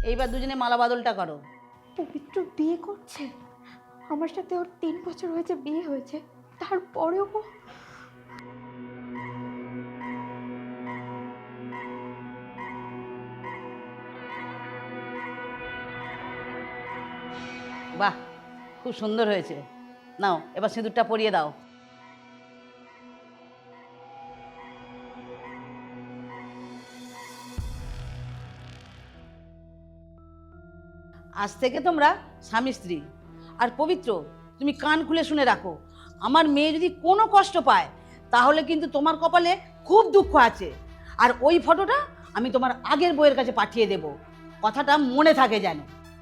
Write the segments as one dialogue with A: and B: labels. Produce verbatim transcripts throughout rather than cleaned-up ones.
A: এইবার দুজনে মালা বদলটা করো।
B: পবিত্র বিয়ে করছে? আমার সাথে ওর তিন বছর হয়েছে বিয়ে হয়েছে, তারপরেও ও
A: বাহ, খুব সুন্দর হয়েছে। নাও এবার সিঁদুরটা পরিয়ে দাও। আজ থেকে তোমরা স্বামী স্ত্রী। আর পবিত্র, তুমি কান খুলে শুনে রাখো, আমার মেয়ে যদি কোনো কষ্ট পায় তাহলে কিন্তু তোমার কপালে খুব দুঃখ আছে। আর ওই ফটোটা আমি তোমার আগের বউয়ের কাছে পাঠিয়ে দেব, কথাটা মনে থাকে যেন।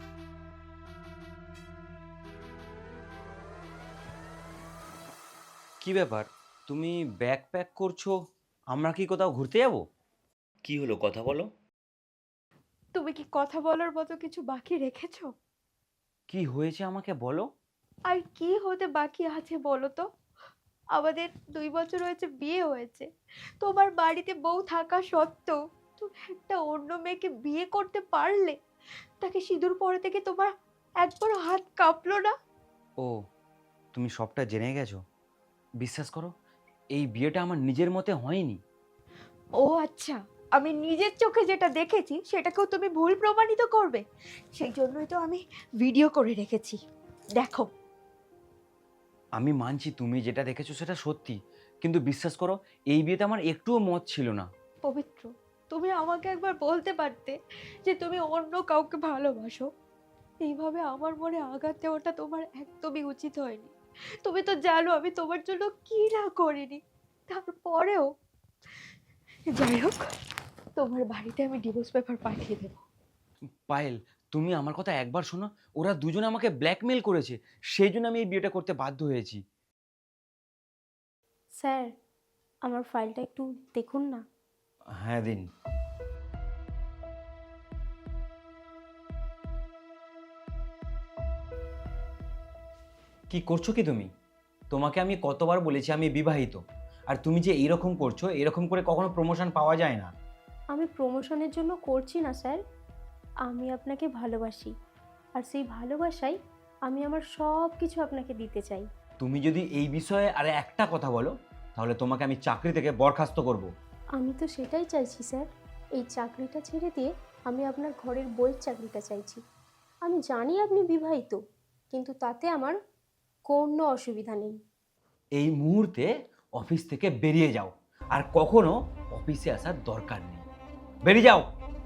C: কি ব্যাপার, তুমি ব্যাগ প্যাক করছো? আমরা কি কোথাও ঘুরতে যাব? কি হলো, কথা বলো।
B: তুমি কি কথা বলার মতো কিছু বাকি রেখেছো?
C: কি হয়েছে আমাকে বলো।
B: আর কি হতে বাকি আছে বলো তো? আমাদের দুই বছর হয়েছে বিয়ে হয়েছে, তোমার বাড়িতে বউ থাকা সত্ত্বেও তুমি একটা অন্য মেয়েকে বিয়ে করতে পারলে? তাকে সিঁদুর পরে থেকে তোমার একবারও হাত কাঁপলো না?
C: ও, তুমি সবটা জেনে গেছো। বিশ্বাস করো, এই বিয়েটা আমার নিজের মতে হয়নি।
B: ও আচ্ছা, আমি নিজের চোখে যেটা দেখেছি সেটাকেও তুমি ভুল প্রমাণিত করবে? সেই জন্যই তো আমি ভিডিও করে রেখেছি, দেখো।
C: আমি মানছি তুমি যেটা দেখেছো সেটা সত্যি, কিন্তু বিশ্বাস করো, এই বিয়েতে আমার একটুও মত ছিল না।
B: পবিত্র, তুমি আমাকে একবার বলতে পারতে যে তুমি অন্য কাউকে ভালোবাসো? এইভাবে আমার মনে আঘাত দেওয়াটা তোমার একদমই উচিত হয়নি। তুমি তো জানো আমি তোমার জন্য কি না করিনি। তারপরেও যাই হোক, তোমার বাড়িতে আমি ডিভোর্স পেপার পাঠিয়ে দেবো।
C: পায়েল, তুমি আমার কথা একবার শোনো। ওরা দুজনে আমাকে ব্ল্যাকমেল করেছে, সেই জন্য আমি এই বিয়েটা করতে বাধ্য হয়েছি।
D: স্যার, আমার ফাইলটা একটু দেখুন না।
C: হ্যাঁ দিন। কি করছো কি তুমি? তোমাকে আমি কতবার বলেছি আমি বিবাহিত, আর তুমি যে এইরকম করছো, এরকম করে কখনো প্রমোশন পাওয়া যায় না।
D: আমি প্রমোশনের জন্য করছি না স্যার, আমি আপনাকে ভালোবাসি, আর সেই ভালোবাসাই আমি আমার সব কিছু আপনাকে দিতে চাই।
C: তুমি যদি এই বিষয়ে আর একটা কথা বলো, তাহলে তোমাকে আমি চাকরি থেকে বরখাস্ত করব।
D: আমি তো সেটাই চাইছি স্যার, এই চাকরিটা ছেড়ে দিয়ে আমি আপনার ঘরের বইয়ের চাকরিটা চাইছি। আমি জানি আপনি বিবাহিত, কিন্তু তাতে আমার কোনো অসুবিধা নেই।
C: এই মুহূর্তে অফিস থেকে বেরিয়ে যাও, আর কখনো অফিসে আসার দরকার নেই। বেরিয়ে যাও।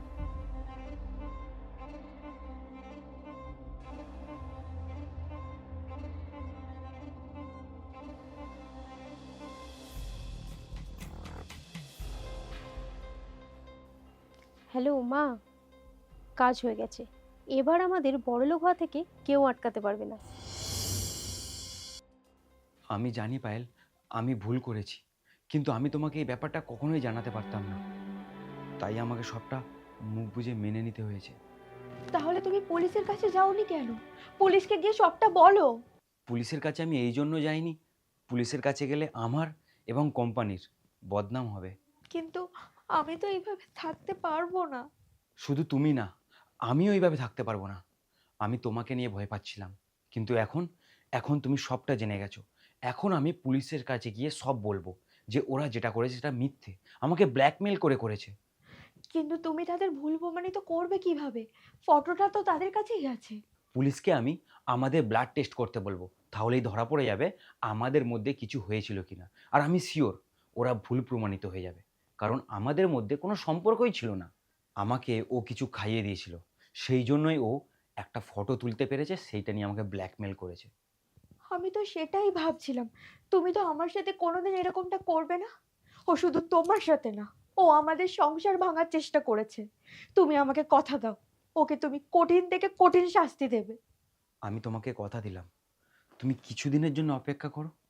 D: হ্যালো মা, কাজ হয়ে গেছে। এবার আমাদের বড়লোক হওয়া থেকে কেউ আটকাতে পারবে না।
C: আমি জানি পায়েল, আমি ভুল করেছি, কিন্তু আমি তোমাকে এই ব্যাপারটা কখনোই জানাতে পারতাম না, তাই আমাকে সবটা মুখ বুজে মেনে নিতে হয়েছে।
B: তাহলে তুমি পুলিশের কাছে যাওনি কেন? পুলিশকে গিয়ে সবটা বলো।
C: পুলিশের কাছে আমি এই জন্য যাইনি, পুলিশের কাছে গেলে আমার এবং কোম্পানির বদনাম হবে।
B: কিন্তু আমি তো এইভাবে থাকতে পারবো না।
C: শুধু তুমি না, আমিও এইভাবে থাকতে পারবো না। আমি তোমাকে নিয়ে ভয় পাচ্ছিলাম, কিন্তু এখন এখন তুমি সবটা জেনে গেছো। এখন আমি পুলিশের কাছে গিয়ে সব বলবো যে ওরা যেটা করেছে সেটা মিথ্যে, আমাকে ব্ল্যাকমেল করে করেছে।
B: কিন্তু তুমি তাদের ভুল প্রমাণিত করবে কিভাবে? ফটোটা তো তাদের কাছেই আছে।
C: পুলিশকে আমি আমাদের ব্লাড টেস্ট করতে বলবো, তাহলেই ধরা পড়ে যাবে আমাদের মধ্যে কিছু হয়েছিল কিনা। আর আমি শিওর ওরা ভুল প্রমাণিত হয়ে যাবে, কারণ আমাদের মধ্যে কোনো সম্পর্কই ছিল না। আমাকে ও কিছু খাইয়ে দিয়েছিল, সেই জন্যই ও একটা ফটো তুলতে পেরেছে, সেইটা নিয়ে আমাকে ব্ল্যাকমেল করেছে।
B: আমি তো সেটাই ভাবছিলাম, তুমি তো আমার সাথে কোনোদিন এরকমটা করবে না। ও শুধু তোমার সাথে না, ও আমাদের সংসার ভাঙার চেষ্টা করেছে। তুমি আমাকে কথা দাও, ওকে তুমি কঠিন থেকে কঠিন শাস্তি দেবে।
C: আমি তোমাকে কথা দিলাম, তুমি কিছুদিনের জন্য অপেক্ষা করো,